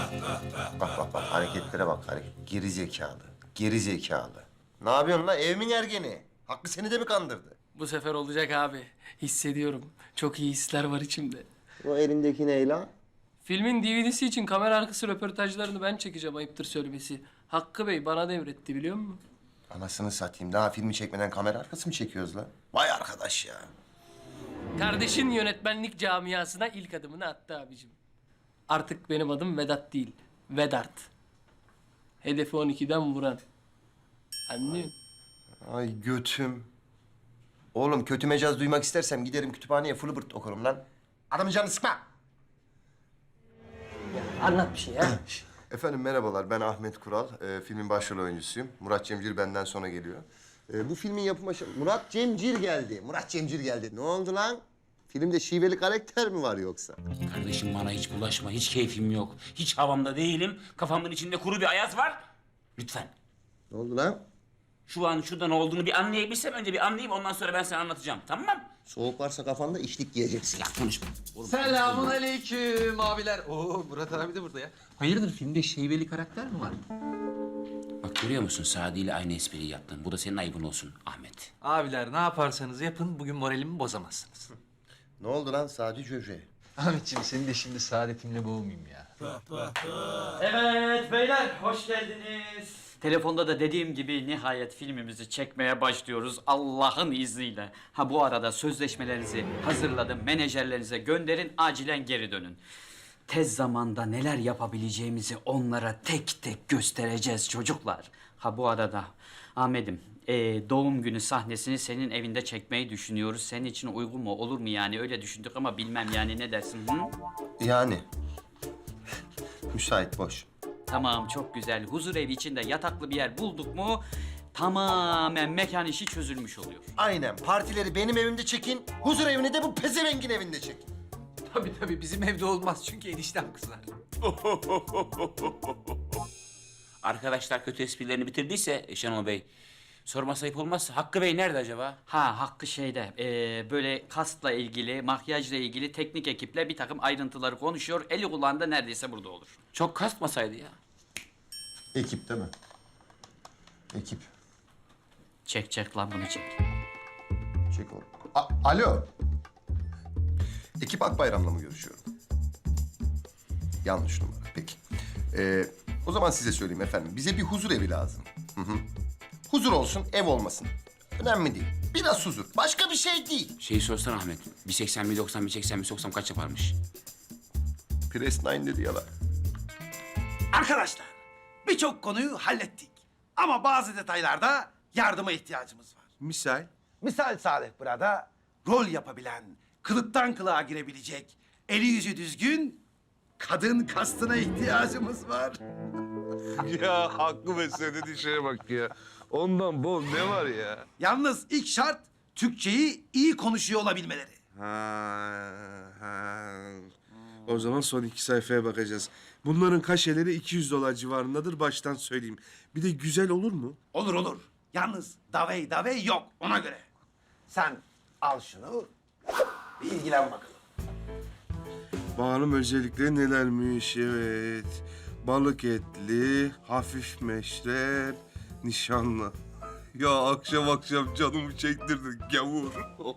Bak hareketlere bak Geri zekalı. Geri zekalı. Ne yapıyorsun lan evimin ergeni? Hakkı seni de mi kandırdı? Bu sefer olacak abi. Hissediyorum. Çok iyi hisler var içimde. O elindeki ne lan? Filmin DVD'si için kamera arkası röportajlarını ben çekeceğim, ayıptır söylemesi. Hakkı Bey bana devretti, biliyor musun? Anasını satayım. Daha filmi çekmeden kamera arkası mı çekiyoruz lan? Vay arkadaş ya. Kardeşin yönetmenlik camiasına ilk adımını attı abicim. Artık benim adım Vedat değil, Vedart. Hedefi 12'den vuran. Anlıyor musun? Ay götüm. Oğlum kötü mecaz duymak istersem giderim kütüphaneye Fulbert okurum lan. Adamın canını sıkma. Anlat bir şey ya. Efendim merhabalar, ben Ahmet Kural. Filmin başrol oyuncusuyum. Murat Cemcir benden sonra geliyor. Bu filmin yapım aşaması... Murat Cemcir geldi. Murat Cemcir geldi. Ne oldu lan? Filmde şiveli karakter mi var yoksa? Kardeşim bana hiç bulaşma, hiç keyfim yok. Hiç havamda değilim. Kafamın içinde kuru bir ayaz var. Lütfen. Ne oldu lan? Şu an şurada ne olduğunu bir anlayabilsem önce bir anlayayım ondan sonra ben sana anlatacağım. Tamam mı? Soğuk varsa kafanda içlik giyeceksin. Ya konuşma. Oğlum, Selamun aleyküm abiler. Oo Murat abi de burada ya. Hayırdır filmde şeybeli karakter mi var? Bak görüyor musun Sadi ile aynı espriyi yaptın. Bu da senin ayıbın olsun Ahmet. Abiler ne yaparsanız yapın bugün moralimi bozamazsınız. Ne oldu lan Sadi Cöce? Ahmetciğim senin de şimdi saadetimle boğmayayım ya. Evet beyler, hoş geldiniz. Telefonda da dediğim gibi nihayet filmimizi çekmeye başlıyoruz Allah'ın izniyle. Ha bu arada sözleşmelerinizi hazırladım, menajerlerinize gönderin, acilen geri dönün. Tez zamanda neler yapabileceğimizi onlara tek tek göstereceğiz çocuklar. Ha bu arada Ahmet'im, doğum günü sahnesini senin evinde çekmeyi düşünüyoruz. Senin için uygun mu, olur mu yani? Öyle düşündük ama bilmem yani, ne dersin? Hı? Yani. Müsait, boş. Tamam, çok güzel. Huzur evi içinde yataklı bir yer bulduk mu tamamen mekan işi çözülmüş oluyor. Aynen. Partileri benim evimde çekin. Huzur evini de bu pezevengin evinde çekin. Tabii bizim evde olmaz çünkü eniştem kızar. Arkadaşlar kötü esprilerini bitirdiyse Şenol Bey, sorması ayıp olmazsa Hakkı Bey nerede acaba? Ha, Hakkı şeyde, böyle kastla ilgili, makyajla ilgili teknik ekiple bir takım ayrıntıları konuşuyor. Eli kulağında neredeyse burada olur. Çok kasmasaydı ya. Ekip değil mi? Ekip. Çek lan bunu çek. Çek oğlum. Alo. Ekip Akbayram'la mı görüşüyorum? Yanlış numara. Peki. O zaman size söyleyeyim efendim. Bize bir huzur evi lazım. Hı hı. Huzur olsun, ev olmasın. Önemli değil. Biraz huzur. Başka bir şey değil. Şeyi sorsan Ahmet, 1.80, 1.90, 1.80, 1.90 kaç yaparmış? Press 9 dedi yalan. Arkadaşlar, birçok konuyu hallettik. Ama bazı detaylarda yardıma ihtiyacımız var. Misal? Misal Salih burada rol yapabilen, kılıktan kılığa girebilecek, eli yüzü düzgün kadın kastına ihtiyacımız var. Ya Hakkı be söylediğin şeye bak ya. Ondan bol ne var ya? Yalnız ilk şart Türkçeyi iyi konuşuyor olabilmeleri. O zaman son 2 sayfaya bakacağız. Bunların kaşeleri $200 civarındadır baştan söyleyeyim. Bir de güzel olur mu? Olur olur. Yalnız davey yok ona göre. Sen al şunu, bir ilgilen bakalım. Bakalım özellikleri nelermiş, evet. Balık etli, hafif meşrer, nişanlı. Ya akşam canımı çektirdin gavur.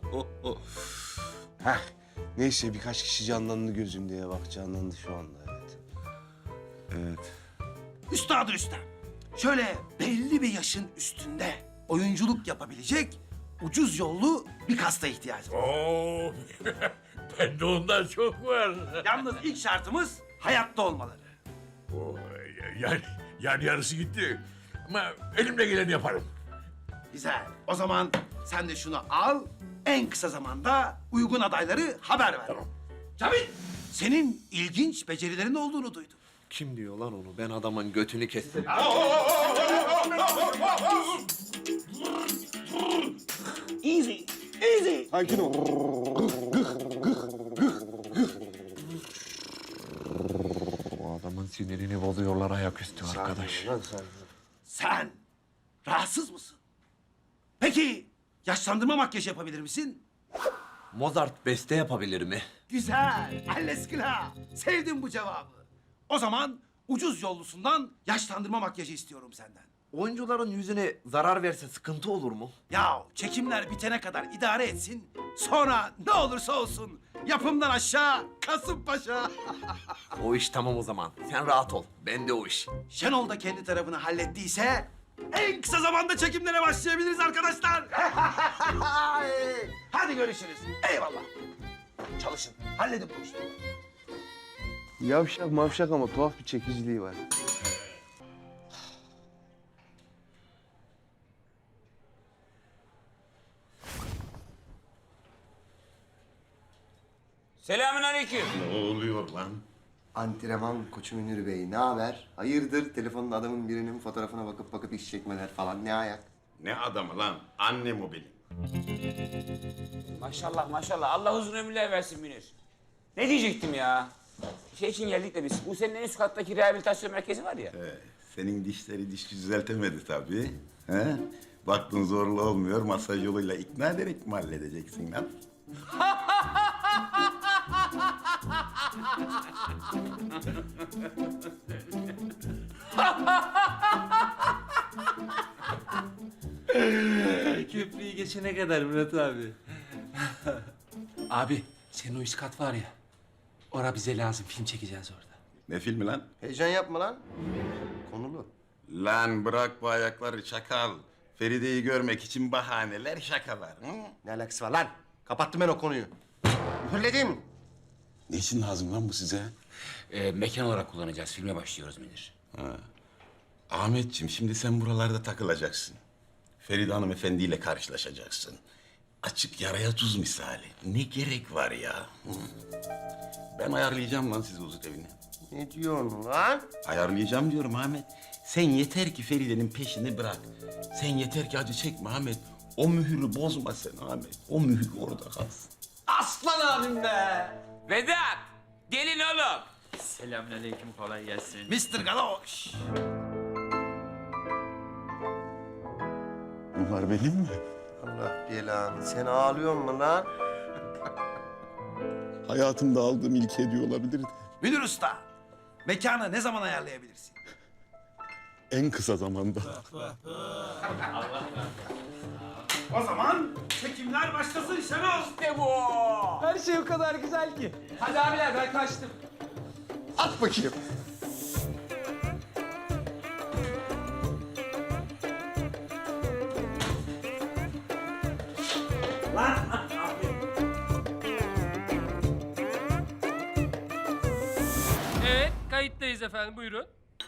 Heh, neyse birkaç kişi canlandı gözümde ya bak canlandı şu anda evet. Evet. Üstadı Rüstem, şöyle belli bir yaşın üstünde oyunculuk yapabilecek ucuz yollu bir kasta ihtiyacım var. Oo, bende ondan çok var. Yalnız ilk şartımız hayatta olmaları. Oo, yani yarısı gitti. Ama elimle geleni yaparım. Güzel. O zaman sen de şunu al, en kısa zamanda uygun adayları haber ver. Tamam. Cavit, senin ilginç becerilerin olduğunu duydum. Kim diyor lan onu? Ben adamın götünü kestim. Sakin ol. Bu adamın sinirini bozuyorlar ayaküstü arkadaş. Sen rahatsız mısın? Peki yaşlandırma makyajı yapabilir misin? Mozart beste yapabilir mi? Güzel. Alleskila. Sevdim bu cevabı. O zaman ucuz yollusundan yaşlandırma makyajı istiyorum senden. Oyuncuların yüzüne zarar verse sıkıntı olur mu? Ya çekimler bitene kadar idare etsin. Sonra ne olursa olsun yapımdan aşağı Kasımpaşa. O iş tamam o zaman. Sen rahat ol. Ben de o iş. Şenol da kendi tarafını hallettiyse en kısa zamanda çekimlere başlayabiliriz arkadaşlar. Hadi görüşürüz. Eyvallah. Çalışın. Halledin bu işi. Yavşak mavşak ama tuhaf bir çekiciliği var. Selamünaleyküm. Ne oluyor lan? Antrenman koçu Münir Bey, ne haber? Hayırdır telefonda adamın birinin fotoğrafına bakıp iş çekmeler falan, ne ayak? Ne adamı lan? Annem o benim. Maşallah maşallah. Allah uzun ömürler versin Münir. Ne diyecektim ya? Şey için geldik de biz. Bu senin en üst kattaki rehabilitasyon merkezi var ya. Senin dişleri diş düzeltemedi tabii. He? Baktın zorlu olmuyor, masaj yoluyla ikna ederek mi halledeceksin lan? Köprüyü geçene kadar Murat abi. Abi senin o üst kat var ya. Ora bize lazım. Film çekeceğiz orada. Ne filmi lan? Heyecan yapma lan. Konulu. Lan bırak bu ayakları çakal. Feride'yi görmek için bahaneler, şakalar. Hı? Ne alakası var lan? Kapattım ben o konuyu. Mühürledim. Ne için lazım lan bu size? Mekan olarak kullanacağız. Filme başlıyoruz Münir. Ahmetciğim, şimdi sen buralarda takılacaksın. Feride hanımefendiyle karşılaşacaksın. Açık yaraya tuz misali. Ne gerek var ya? Hı? Ben ayarlayacağım lan sizi huzur evine. Ne diyorsun lan? Ayarlayacağım diyorum Ahmet. Sen yeter ki Feride'nin peşini bırak. Sen yeter ki acı çekme Ahmet. O mühürü bozma sen Ahmet. O mühür orada kalsın. Aslan abim be! Vedat! Gelin oğlum. Selamünaleyküm, kolay gelsin. Mr. Galoş. Bunlar benim mi? Allah belanı. Sen ağlıyor musun lan? Hayatımda aldığım ilk hediye olabilirdi. Münir Usta, mekanı ne zaman ayarlayabilirsin? En kısa zamanda. O zaman çekimler başlasın Şenol. Her şey o kadar güzel ki. Hadi abiler ben kaçtım. At bakayım. Evet, kayıttayız efendim. Buyurun.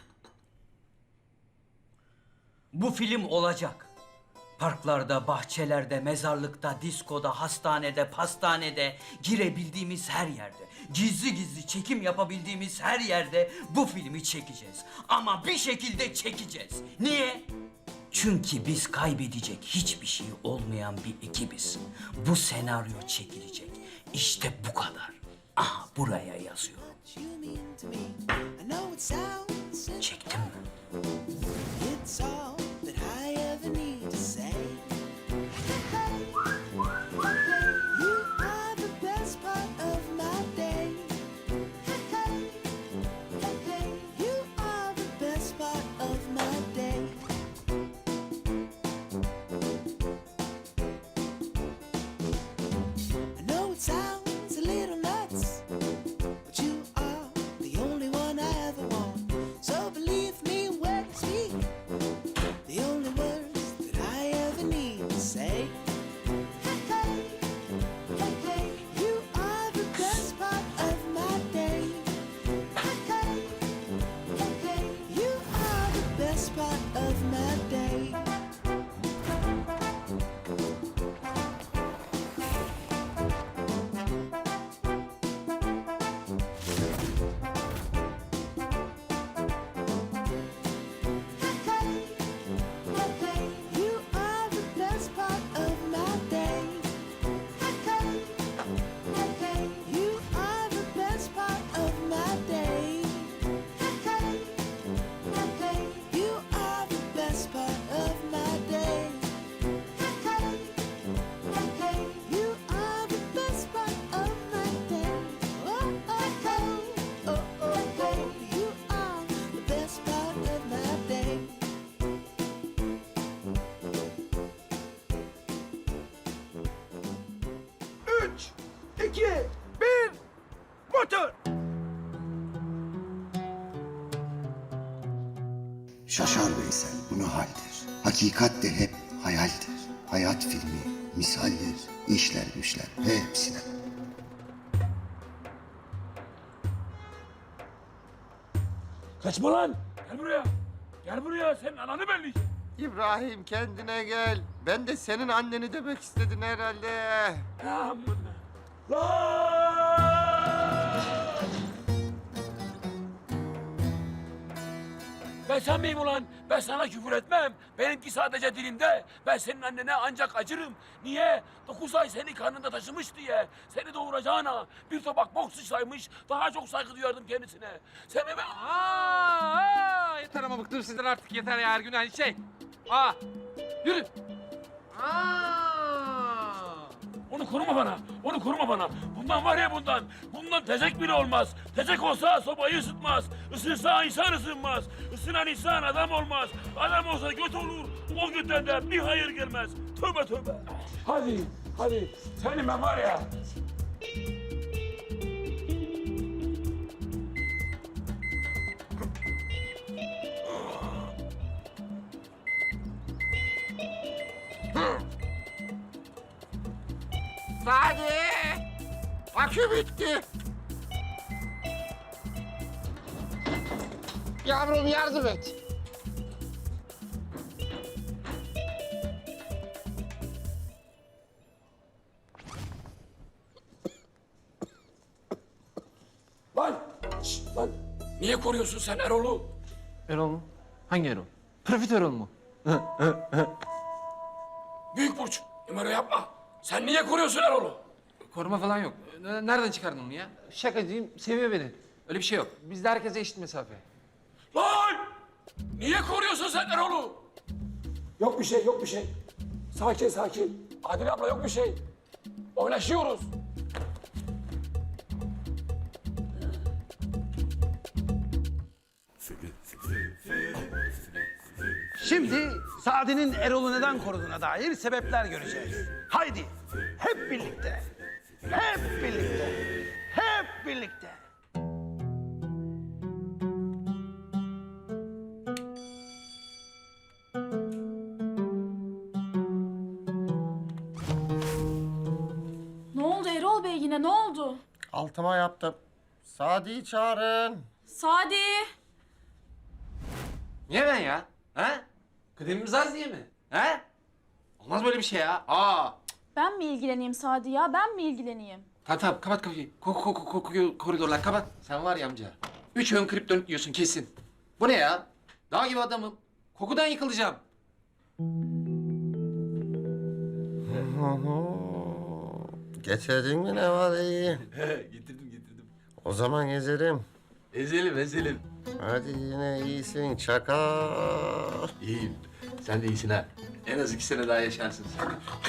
Bu film olacak. Parklarda, bahçelerde, mezarlıkta, diskoda, hastanede, pastanede, girebildiğimiz her yerde, gizli gizli çekim yapabildiğimiz her yerde bu filmi çekeceğiz. Ama bir şekilde çekeceğiz. Niye? Çünkü biz kaybedecek hiçbir şey olmayan bir ekibiz. Bu senaryo çekilecek. İşte bu kadar. Aha buraya yazıyorum. Çektim mi? It's all that I ever need to say. You are the best part of my day. You are the best part of my day. I know it sounds a little nuts, but you are the only one I ever want. So believe 2, 1, motor! Şaşar Veysel bu ne haldir? Hakikat de hep hayaldir. Hayat filmi, misaldir, işler güçler hepsine. Kaçma lan. Gel buraya. Gel buraya. Senin ananı belleyeceğim. İbrahim kendine gel. Ben de senin anneni demek istedin herhalde. Ben sen miyim ulan? Ben sana küfür etmem. Benimki sadece dilimde. Ben senin annene ancak acırım. Niye? 9 ay seni karnında taşımış diye. Seni doğuracağına bir tabak bok sıçraymış. Daha çok saygı duyardım kendisine. Sen hemen... Yeter ama bıktım sizden artık yeter ya her gün aynı şey. Yürü. Onu koruma bana. Onu koruma bana. Bundan var ya bundan. Bundan tezek bile olmaz. Tezek olsa sobayı ısıtmaz. Isınsa insan ısınmaz. Isınan insan adam olmaz. Adam olsa göt olur. O götten de bir hayır gelmez. Tövbe tövbe. Hadi. Hadi. Senin ben var ya. Sadi! Akü bitti. Yavrum yardım et. Lan! Şşt, lan! Niye koruyorsun sen Erol'u? Erol mu? Hangi Erol? Profit Erol mu? Büyük burç. Numara yapma. Sen niye koruyorsun Erol'u? Koruma falan yok. Nereden çıkardın onu ya? Şakacıyım, seviyor beni. Öyle bir şey yok. Bizde herkese eşit mesafe. Lan! Niye koruyorsun sen Erol'u? Yok bir şey, yok bir şey. Sakin, sakin. Adile abla yok bir şey. Oynaşıyoruz. Şimdi Sadi'nin Erol'u neden koruduğuna dair sebepler göreceğiz. Haydi hep birlikte. Hep birlikte. Hep birlikte. Ne oldu Erol Bey yine ne oldu? Altıma yaptım. Sadi'yi çağırın. Sadi! Niye ben ya? Ha? Kıdemimiz az diye mi? Ha? Olmaz böyle bir şey ya. Ben mi ilgileneyim Sadi ya? Ben mi ilgileneyim? Tamam kapat kapıyı. Koridorlar kapat. Sen var ya amca. 3 ön kriptonit yiyorsun kesin. Bu ne ya? Dağ gibi adamım. Kokudan yıkılacağım. Getirdin mi ne var iyi? Getirdim. O zaman gezelim. Ezelim. Hadi yine iyisin çakal. İyiyim. Sen de iyisin ha. En az 2 sene daha yaşarsın sen.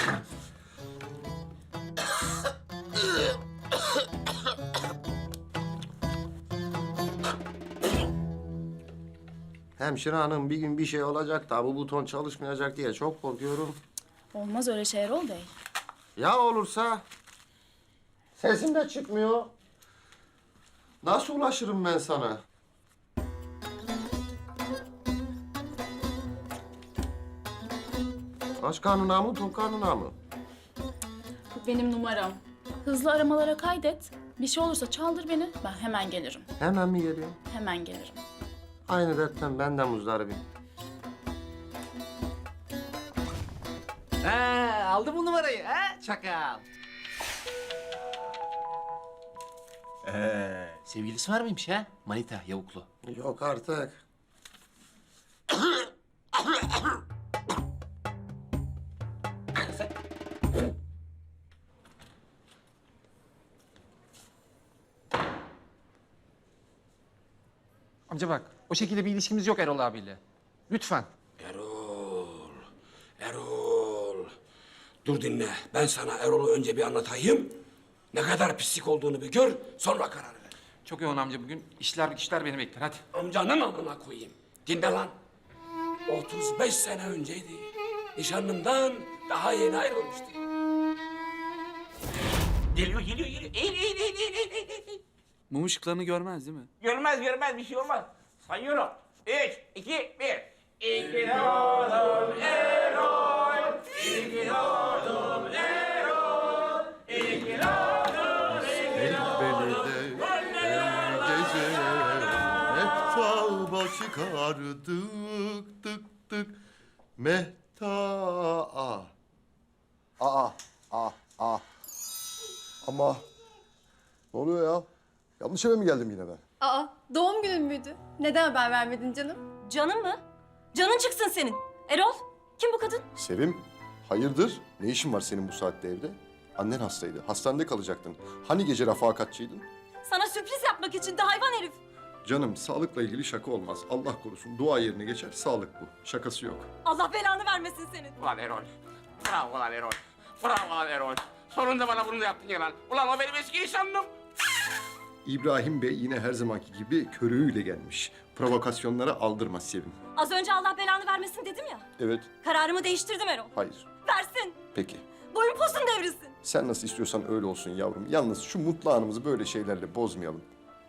Hemşire hanım bir gün bir şey olacak da bu buton çalışmayacak diye çok korkuyorum. Olmaz öyle şey Erol Bey. Ya olursa? Sesim de çıkmıyor. Nasıl ulaşırım ben sana? Aç karnına mı, tok karnına mı? Bu benim numaram. Hızlı aramalara kaydet. Bir şey olursa çaldır beni. Ben hemen gelirim. Hemen mi geliyor? Hemen gelirim. Aynı dertten ben de muzdaribim. Aldı bu numarayı ha çakal. Sevgilisi var mıymış ha? Manita, yavuklu. Yok artık. Amca bak, o şekilde bir ilişkimiz yok Erol abiyle. Lütfen. Erol. Dur dinle. Ben sana Erol'u önce bir anlatayım. Ne kadar pislik olduğunu bir gör, sonra karar ver. Çok yoğun amca bugün. İşler güçler beni bekler, hadi. Amcanın amına koyayım. Dinle lan. 35 sene önceydi. Nişanlımdan daha yeni ayrılmıştı. Geliyor. Eğil. Mum ışıklarını görmez değil mi? Görmez bir şey olmaz. Sayıyorum. 3, 2, 1. İki doğdun Erol. İki doğdun Erol. İki doğdun Mehtaba çıkardık tık tık. Ama ne oluyor ya? Yanlış eve mi geldim yine ben? Aa, doğum günün müydü? Neden haber vermedin canım? Canın mı? Canın çıksın senin. Erol, kim bu kadın? Sevim, hayırdır? Ne işin var senin bu saatte evde? Annen hastaydı. Hastanede kalacaktın. Hani gece refakatçiydin? Sana sürpriz yapmak için de hayvan herif. Canım, sağlıkla ilgili şaka olmaz. Allah korusun. Dua yerine geçer. Sağlık bu. Şakası yok. Allah belanı vermesin senin. Ulan Erol. Bravo lan Erol. Bravo lan Erol. Sonunda bana bunu da yaptın ya lan. Ulan o benim eski nişanlım. İbrahim Bey yine her zamanki gibi körüğüyle gelmiş. Provokasyonlara aldırmaz Sevim. Az önce Allah belanı vermesin dedim ya. Evet, Kararımı değiştirdim Erol. hayır. Versin. Peki. Boyun posun devrilsin. Sen nasıl istiyorsan öyle olsun yavrum. Yalnız şu mutlu anımızı böyle şeylerle bozmayalım.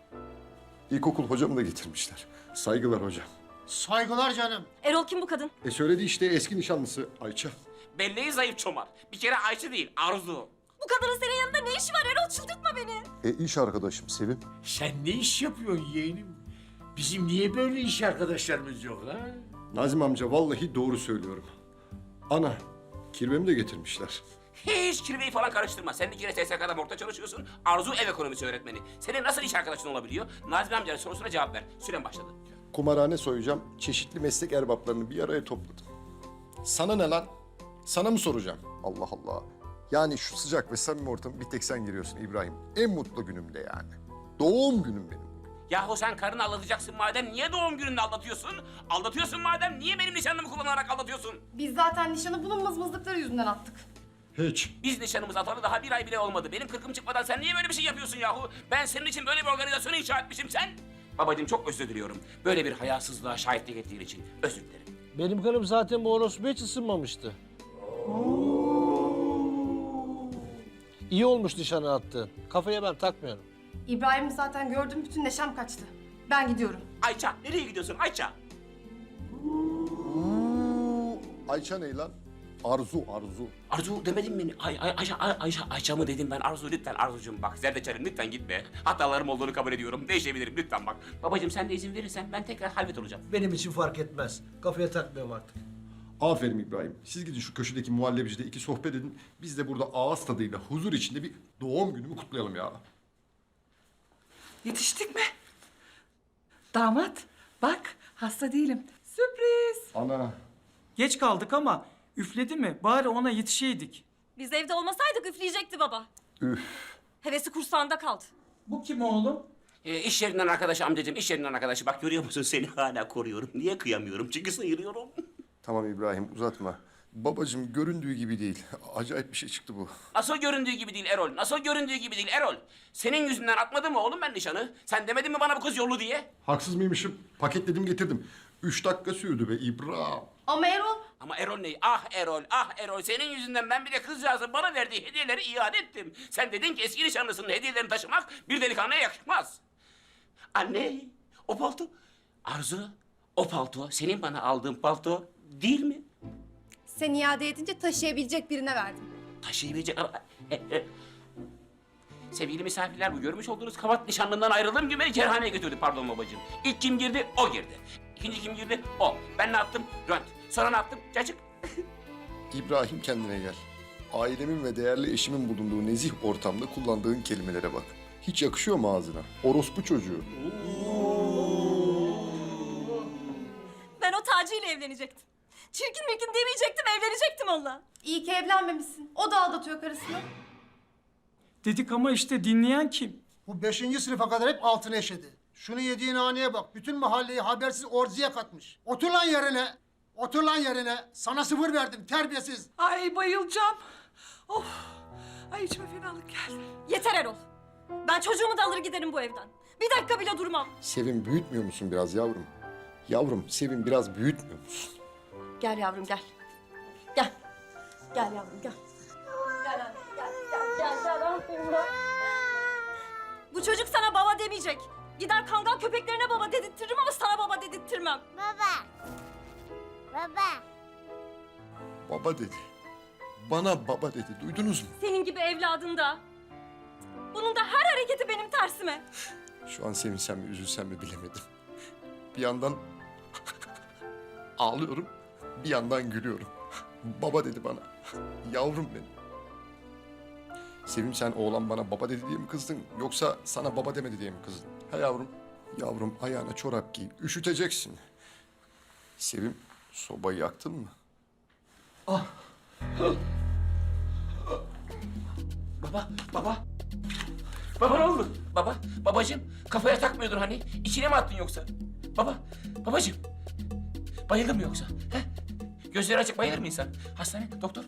İlkokul hocamı da getirmişler. Saygılar hocam. Saygılar canım. Erol kim bu kadın? Söyledi işte eski nişanlısı Ayça. Belleği zayıf çomar. Bir kere Ayşe değil, Arzu. Bu kadının senin yanında ne işi var Erol? Çıldırtma beni. İş arkadaşım Sevim. Sen ne iş yapıyorsun yeğenim? Bizim niye böyle iş arkadaşlarımız yok ha? Nazım amca vallahi doğru söylüyorum. Ana, kirvemi de getirmişler. Hiç kirveyi falan karıştırma. Sen bir kere TSK'da morgda çalışıyorsun. Arzu ev ekonomisi öğretmeni. Senin nasıl iş arkadaşın olabiliyor? Nazmi amcanın sorusuna cevap ver. Süren başladı. Kumarhane soyacağım. Çeşitli meslek erbaplarını bir araya topladım. Sana ne lan? Sana mı soracağım? Allah Allah. Yani şu sıcak ve samimi ortamı bir tek sen giriyorsun İbrahim. En mutlu günümde yani. Doğum günüm benim. Yahu sen karını aldatacaksın madem niye doğum gününde aldatıyorsun? Aldatıyorsun madem niye benim nişanlımı kullanarak aldatıyorsun? Biz zaten nişanı bunun mızmızlıkları yüzünden attık. Hiç. Biz nişanımızı atalı daha bir ay bile olmadı. Benim kırkım çıkmadan sen niye böyle bir şey yapıyorsun yahu? Ben senin için böyle bir organizasyonu inşa etmişim sen. Babacığım çok özür diliyorum. Böyle bir hayasızlığa şahitlik ettiğin için özür dilerim. Benim karım zaten bu orospuya hiç ısınmamıştı. İyi olmuş nişanı attığın. Kafaya ben takmıyorum. İbrahim'i zaten gördüm, bütün neşem kaçtı. Ben gidiyorum. Ayça nereye gidiyorsun Ayça? Ayça ne lan? Arzu. Arzu demedin mi? Ayça mı dedim ben? Arzu lütfen Arzucuğum bak zerdeçalim lütfen gitme. Hatalarım olduğunu kabul ediyorum. Değişebilirim lütfen bak. Babacığım sen de izin verirsen ben tekrar halvet olacağım. Benim için fark etmez. Kafaya takmıyorum artık. Aferin İbrahim. Siz gidin şu köşedeki muhallebicide iki sohbet edin. Biz de burada ağız tadıyla huzur içinde bir doğum günümü kutlayalım ya. Yetiştik mi? Damat, bak hasta değilim. Sürpriz. Ana. Geç kaldık ama üfledi mi? Bari ona yetişeydik. Biz evde olmasaydık üfleyecekti baba. Üf. Hevesi kursağında kaldı. Bu kim oğlum? İş yerinden arkadaşı amcacığım iş yerinden arkadaşı. Bak görüyor musun seni hala koruyorum. Niye kıyamıyorum? Çünkü sıyırıyorum. Tamam İbrahim uzatma. Babacığım göründüğü gibi değil. Acayip bir şey çıktı bu. Nasıl göründüğü gibi değil Erol? Nasıl göründüğü gibi değil Erol? Senin yüzünden atmadım mı oğlum ben nişanı? Sen demedin mi bana bu kız yollu diye? Haksız mıymışım? Paketledim getirdim. 3 dakika sürdü be İbrahim. Ama Erol... Ama Erol ne? Ah Erol, ah Erol. Senin yüzünden ben bir de kızcağızın bana verdiği hediyeleri iade ettim. Sen dedin ki eski nişanlısının hediyelerini taşımak bir delikanlıya yakışmaz. Anne, o palto. Arzu, o palto senin bana aldığın palto değil mi? Sen iade edince taşıyabilecek birine verdim. Taşıyabilecek... Sevgili misafirler bu görmüş olduğunuz kavat nişanlından ayrıldığım gibi beni kerhaneye götürdü pardon babacığım. İlk kim girdi? O girdi. İkinci kim girdi? O. Ben ne yaptım? Rönt. Sonra ne yaptım? Cacık. İbrahim kendine gel. Ailemin ve değerli eşimin bulunduğu nezih ortamda kullandığın kelimelere bak. Hiç yakışıyor mu ağzına? Orospu çocuğu. Ben o Taci ile evlenecektim. Çirkin mirkin demeyecektim, evlenecektim onunla. İyi ki evlenmemişsin. O da aldatıyor karısını. Dedik ama işte dinleyen kim? Bu 5. sınıfa kadar hep altını eşedi. Şunu yediğin haneye bak. Bütün mahalleyi habersiz orziye katmış. Otur lan yerine. Otur lan yerine. Sana 0 verdim terbiyesiz. Ay bayılacağım. Of. Ay içime fenalık geldi. Yeter Erol. Ben çocuğumu da alır giderim bu evden. Bir dakika bile durmam. Sevim büyütmüyor musun biraz yavrum? Yavrum Sevim biraz büyütmüyor musun? Gel yavrum gel. Gel. Gel yavrum gel. Gel anne gel. Gel. Bu çocuk sana baba demeyecek. Gider kangal köpeklerine baba dedirtirim ama sana baba dedirttirmem. Baba dedi. Bana baba dedi. Duydunuz mu? Senin gibi evladın da. Bunun da her hareketi benim tersime. Şu an sevinsem mi üzülsem mi bilemedim. Bir yandan ağlıyorum, bir yandan gülüyorum. Baba dedi bana. Yavrum benim. Sevim, sen oğlan bana baba dedi diye mi kızdın, yoksa sana baba demedi diye mi kızdın? Ha yavrum? Yavrum, ayağına çorap giy, üşüteceksin. Sevim, sobayı yaktın mı? Baba, baba. Baba ne oldu? Baba, babacığım kafaya takmıyordun hani. İçine mi attın yoksa? Baba, babacığım. Bayıldın mı yoksa? He? Gözleri açık bayılır mı insan? Hastane, doktor.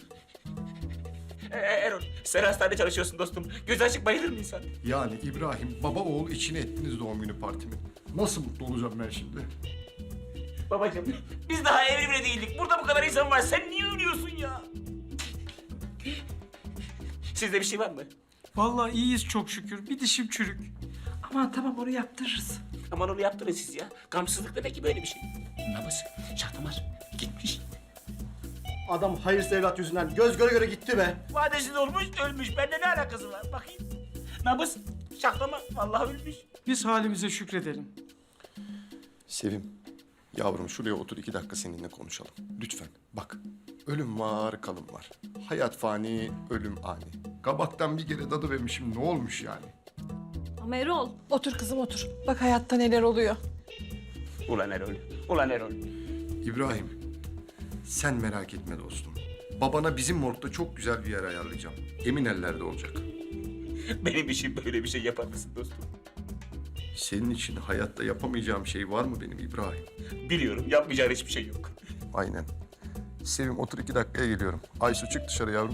Erol, sen hastanede çalışıyorsun dostum. Gözü açık bayılır mı insan? Yani İbrahim, baba oğul içine ettiniz doğum günü partimi. Nasıl mutlu olacağım ben şimdi? Babacığım, biz daha evli bile değildik. Burada bu kadar insan var. Sen niye ölüyorsun ya? Sizde bir şey var mı? Vallahi iyiyiz çok şükür. Bir dişim çürük. Aman tamam onu yaptırırız. Aman onu yaptırın siz ya. Gamsızlık demek ki böyle bir şey. Nabız, Şahtamar gitmiş. Adam hayırsız evlat yüzünden göz göre göre gitti be. Vadesiz olmuş, ölmüş. Bende ne alakası var? Bakayım. Nabız, Şahtamar vallahi ölmüş. Biz halimize şükredelim. Sevim, yavrum şuraya otur 2 dakika seninle konuşalım. Lütfen. Bak, ölüm var, kalım var. Hayat fani, ölüm ani. Kabaktan bir kere dadı vermişim, ne olmuş yani? Ama Erol. Otur kızım otur. Bak hayatta neler oluyor. Ulan Erol, ulan Erol. İbrahim, sen merak etme dostum. Babana bizim morgda çok güzel bir yer ayarlayacağım. Emin ellerde olacak. Benim için böyle bir şey yapar mısın dostum? Senin için hayatta yapamayacağım şey var mı benim İbrahim? Biliyorum, yapmayacağın hiçbir şey yok. Aynen. Sevim, otur 2 dakikaya geliyorum. Aysu, çık dışarı yavrum.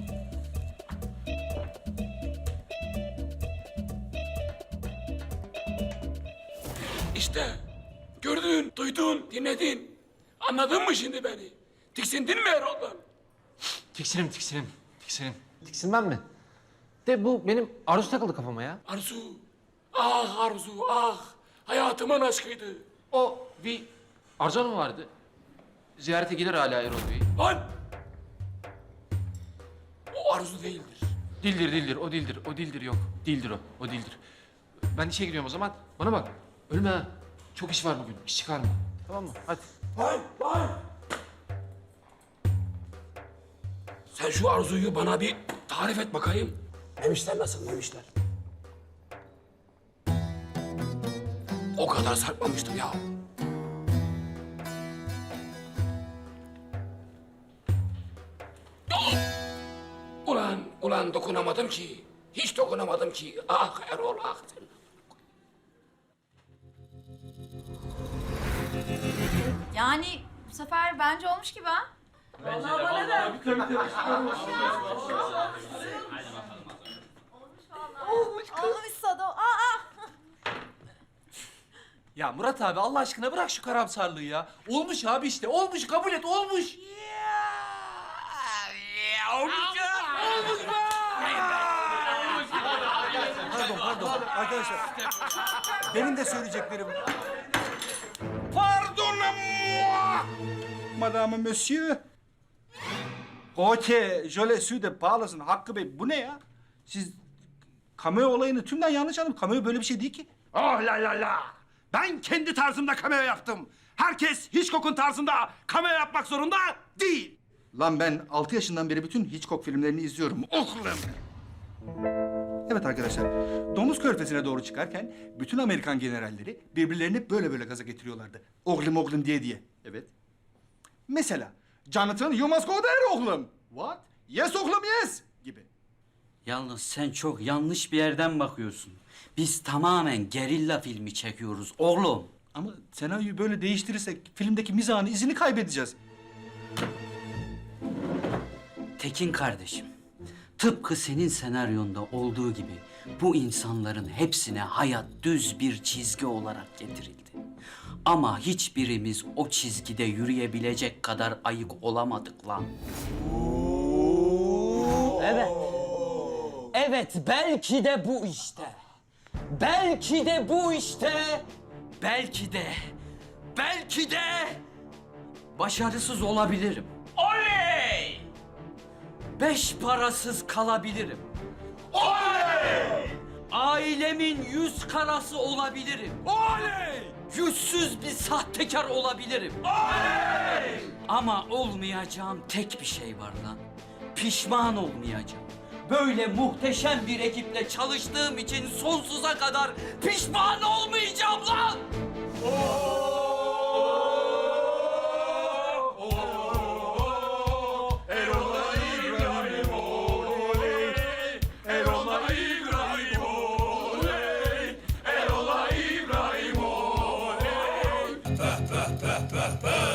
İşte gördün, duydun, dinledin. Anladın mı şimdi beni? Tiksindin mi Erol'dan? Tiksinim. Tiksinmem mi? De bu benim Arzu takıldı kafama ya. Arzu, ah Arzu, ah. Hayatımın aşkıydı. O bir Arzu Hanım vardı. Ziyarete gelir hala Erol Bey. Lan! O Arzu değildir. Dildir, o dildir, yok. Dildir o dildir. Ben işe gidiyorum o zaman. Bana bak, ölme ha. Çok iş var bugün, iş çıkarma. Tamam mı? Hadi. Lan! Sen şu Arzu'yu bana bir tarif et bakayım. Memişler nasıl memişler? O kadar sarkmamıştım ya. Ulan dokunamadım ki. Hiç dokunamadım ki. Ah Erol ah. Yani bu sefer bence olmuş gibi ha. Olmuşsa da. Ya Murat abi Allah aşkına bırak şu karamsarlığı ya. Olmuş abi işte. Olmuş, kabul et. Olmuş. Pardon arkadaşlar. Benim de söyleyeceklerim. Pardon Madame Monsieur. Okey, je suis de parlasın Hakkı Bey. Bu ne ya? Siz cameo olayını tümden yanlış anladınız. Cameo böyle bir şey değil ki. Oh la la la. Ben kendi tarzımda cameo yaptım. Herkes Hitchcock'un tarzında cameo yapmak zorunda değil. Lan ben 6 yaşından beri bütün Hitchcock filmlerini izliyorum. Oğlum. Evet arkadaşlar, Domuz Körfezi'ne doğru çıkarken bütün Amerikan generalleri birbirlerini böyle gaza getiriyorlardı. Oğlum diye. Evet. Mesela Jonathan, you must go there oğlum. What? Yes oğlum yes gibi. Yalnız sen çok yanlış bir yerden bakıyorsun. Biz tamamen gerilla filmi çekiyoruz oğlum. Ama senaryoyu böyle değiştirirsek filmdeki mizahın izini kaybedeceğiz. Tekin kardeşim, tıpkı senin senaryonda olduğu gibi bu insanların hepsine hayat düz bir çizgi olarak getirildi. Ama hiçbirimiz o çizgide yürüyebilecek kadar ayık olamadık lan. Evet, belki de bu işte. Belki de bu işte. Belki de başarısız olabilirim. Oley! 5 parasız kalabilirim. Oley! Ailemin 100 karası olabilirim. Oley! Yüzsüz bir sahtekar olabilirim. Oley! Ama olmayacağım tek bir şey var lan. Pişman olmayacağım. Böyle muhteşem bir ekiple çalıştığım için sonsuza kadar pişman olmayacağım lan. Erol'a İbrahim oley.